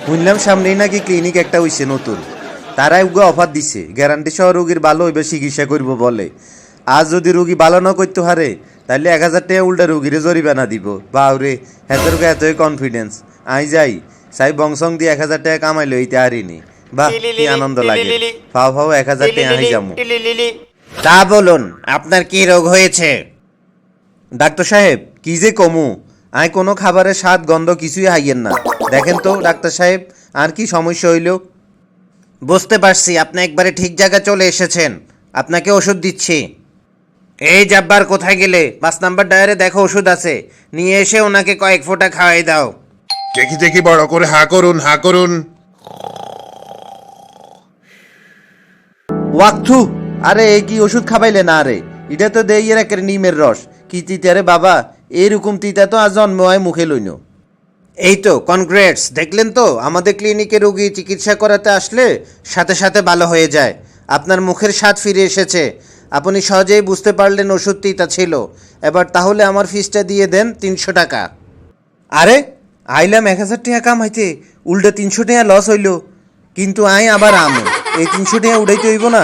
শুনলাম সামনেই নাকি ক্লিনিক একটা হইছে নতুন, তারাই উগা অফার দিছে গ্যারান্টি সহ রোগীর ভালো হইবে চিকিৎসা করব বলে। আজ যদি রোগী ভালো না করতে হারে তাহলে 1,000 টাকা উল্টা রোগীরে জরিমানা দিব। বাউরে হেতের এতই কনফিডেন্স। আই যাই সাই বংশং দিয়ে 1,000 টাকা কামাইলো এইতে হারিনি। বাহ কি আনন্দ লাগে। ফাও ফাও 1,000 টাকা আই যামু। তা বলুন আপনার কি রোগ হয়েছে? ডাক্তার সাহেব কি যে কমু, আই কোনো খাবারের স্বাদ গন্ধ কিছুই হাইয়েন না। দেখেন তো ডাক্তার সাহেব আর কি সমস্যা হইল? বুঝতে পারছি আপনি একবারে ঠিক জায়গায় চলে এসেছেন, আপনাকে ওষুধ দিচ্ছি। এই জাব্বার কোথায় গেলে? 5 নাম্বার ডায়ারে দেখো ওষুধ আছে, নিয়ে এসে ওনাকে কয়েক ফোঁটা খাওয়াই দাও। দেখি দেখি বড় করে হা করুন হা করুন। ওয়াকথু, আরে এই কি ওষুধ খাবাইলে না রে? এটা তো দেই এর একের নিমের রস। কি তিতা রে বাবা, এইরকম তিতা তো আজ জন্ম হয় মুখে লইন। এই তো কনগ্রেটস, দেখলেন তো আমাদের ক্লিনিকে রোগী চিকিৎসা করাতে আসলে সাথে সাথে ভালো হয়ে যায়। আপনার মুখের স্বাদ ফিরে এসেছে, আপনি সহজেই বুঝতে পারলেন ওষুধ তিতা ছিল। এবার তাহলে আমার ফিসটা দিয়ে দেন 300 টাকা। আরে আইলাম 1,000 টাকা কামাইতে, উল্টা 300 টাকা লস হইল। কিন্তু আই আবার আমো, এই 300 টাকা উড়াইতে হইব না?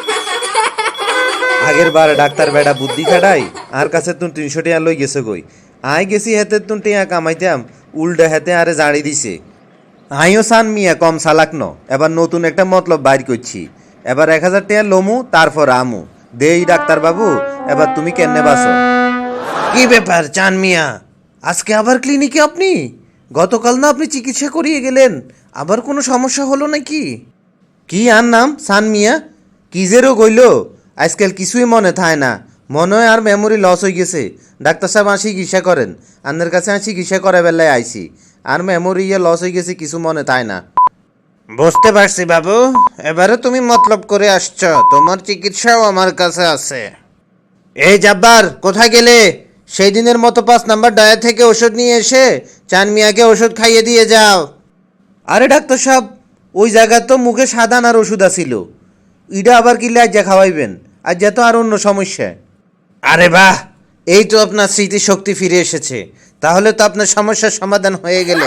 আগের বার ডাক্তার বেড়া বুদ্ধি খাটাই আর কাছে তুন 300 টাকা লই গেছে কই। আই গেছি হেতে তুন টিয়া কামাইতাম, উল্টা হেতে আরে জাড়ি দিছে। আইও সান মিয়া কম চালাক ন, এবার নতুন একটা মতলব বাইর করছি। এবার 1,000 টাকা লমু তারপর আমু। দেই ডাক্তার বাবু, এবার তুমি কেনে বাসো। কি ব্যাপার চান মিয়া, আজকে আবার ক্লিনিকে আপনি? গতকাল না আপনি চিকিৎসা করিয়ে গেলেন, আবার কোনো সমস্যা হলো নাকি? কি আর নাম সান মিয়া, কি যে রোগ হইল? আজকাল কিছুই মনে থায় না, মনে হয় আর মেমোরি লস হয়ে গেছে। ডাক্তার সাহেব আসি চিকিৎসা করেন, আপনার কাছে আসি চিকিৎসা করা বেলায় আইসি, আর মেমোরি ইয়ে লস হয়ে গেছে, কিছু মনে থায় না। বুঝতে পারছি বাবু, এবারে তুমি মতলব করে আসছ, তোমার চিকিৎসাও আমার কাছে আছে। এই জাব্বার কোথায় গেলে? সেই দিনের মতো 5 নাম্বার ডায়া থেকে ওষুধ নিয়ে এসে চান মিয়াকে ওষুধ খাইয়ে দিয়ে যাও। আরে ডাক্তার সাহেব, ওই জায়গা তো মুখে সাদান আর ওষুধ আছিল, ইডা আবার কি লাজ্জা খাওয়াইবেন? আর যা তো আর অন্য সমস্যা। আরে বাহ, এই তো আপনার স্মৃতিশক্তি ফিরে এসেছে, তাহলে তো আপনার সমস্যার সমাধান হয়ে গেল।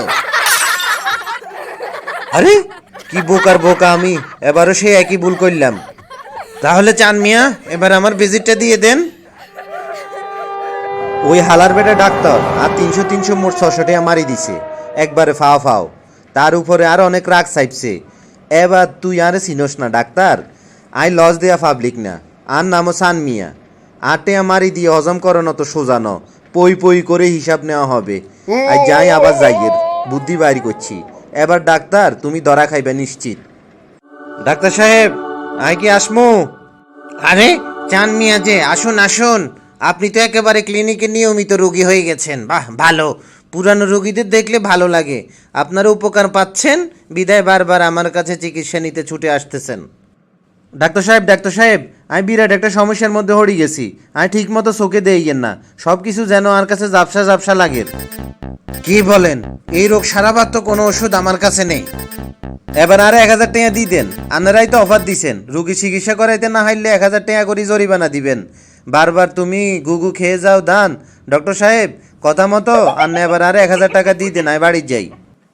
আরে কি বোকার বোকা আমি, এবারও সেই একই ভুল করলাম। তাহলে চান মিয়া এবার আমার ভিজিটটা দিয়ে দেন। ওই হালার বেটা ডাক্তার আর 300 মোট 600 টাকা মারি দিছে একবারে ফাও ফাও। তার উপরে আর অনেক রাগ চাইছে। এবার তুই আর চিনস না ডাক্তার, আই লস দেয়া পাবলিক না, আর নামও সান মিয়া। আটে মারি দিয়ে হজম করানো তো সোজানো, পই পই করে হিসাব নেওয়া হবে। আর যাই আবার যাইয়ের বুদ্ধি বাইর করছি। এবার ডাক্তার তুমি ধরা খাইবে নিশ্চিত। ডাক্তার সাহেব আই কি আসমু? আরে চান মিয়া যে, আসুন আসুন, আপনি তো একেবারে ক্লিনিকে নিয়মিত রোগী হয়ে গেছেন। বাহ ভালো, পুরানো রোগীদের দেখলে ভালো লাগে। আপনারা উপকার পাচ্ছেন বিদায় বারবার আমার কাছে চিকিৎসা নিতে ছুটে আসতেছেন। ডাক্তার সাহেব আমি বিরাট একটা সমস্যার মধ্যে হড়ি গেছি। আমি ঠিক মতো চোখে দেইয়েন না, সব কিছু যেন আর কাছে ঝাপসা ঝাপসা লাগে। কি বলেন? এই রোগ সারাবার তো কোনো ওষুধ আমার কাছে নেই। এবার আর 1,000 টাকা দিয়ে দেন, আপনারাই তো অফার দিছেন রুগী চিকিৎসা করাইতে না হাইলে 1,000 টাকা করে জরিমানা দিবেন। বারবার তুমি গুগু খেয়ে যাও দান। ডক্টর সাহেব কথা মতো আর এবার আর 1,000 টাকা দিয়ে দেন, আমি বাড়ি যাই।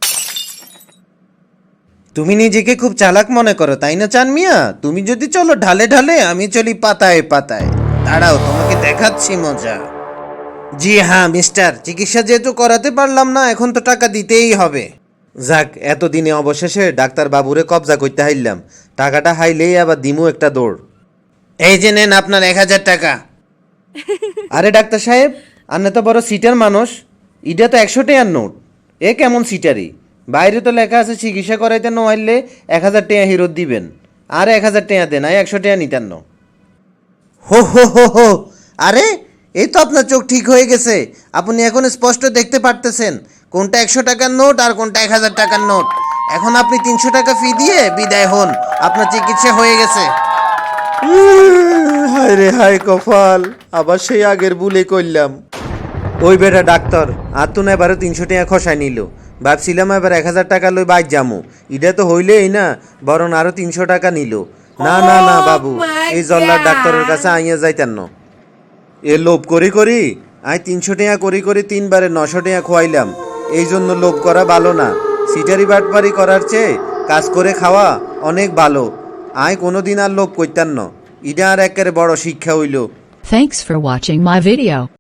তুমি নিজেকে খুব চালাক মনে করো তাই না চান মিয়া? তুমি যদি চলো ঢালে ঢালে, আমি চলি পাতায় পাতায়। দাঁড়াও তোমাকে দেখাচ্ছি মজা। জি হ্যাঁ মিস্টার, চিকিৎসা যেহেতু করাতে পারলাম না, এখন তো টাকা দিতেই হবে। যাক, এতদিনে অবশেষে ডাক্তার বাবুরে কবজা করতে হাইলাম। টাকাটা হাইলেই আবার দিমু একটা দৌড়। এই যে নেন আপনার 1,000 টাকা। আরে ডাক্তার সাহেব, আপনি তো বড় সিটার মানুষ, এটা তো 100 টাকার নোট। এ কেমন সিটারি? বাইরে তো লেখা আছে চিকিৎসা করাইতে ন হাইলে 1,000 টাকা হিরত দিবেন। আর 1,000 টাকা দেন, আর 100 টাকা নিতেন না। হো হো হো হো, আরে এই তো আপনার চোখ ঠিক হয়ে গেছে, আপনি এখন স্পষ্ট দেখতে পারতেছেন কোনটা 100 টাকার নোট আর কোনটা 1,000 টাকার নোট। এখন আপনি 300 টাকা ফি দিয়ে বিদায় হন, আপনার চিকিৎসা হয়ে গেছে। হায় রে হায় কপাল, আবার সেই আগের ভুলে করলাম। ওই বেটা ডাক্তার আর তো না এবারে 300 টাকা খসাই নিল। ভাবছিলাম এবার 1,000 টাকা লই বাইর যামু, এটা তো হইলেই না, বরং আরো 300 টাকা নিল। না না না বাবু, এই জল্লার ডাক্তারের কাছে আইয়া যাইতেন না। এ লোভ করি করি আই 300 টাকা করি 3 বারে 900 টাকা খোয়াইলাম। এই জন্য লোভ করা ভালো না, সিটারি বাটপারি করার চেয়ে কাজ করে খাওয়া অনেক ভালো। আয় কোনোদিন আর লোভ করতাম না। ইটা আর একেবারে বড় শিক্ষা হইল। Thanks for watching my video.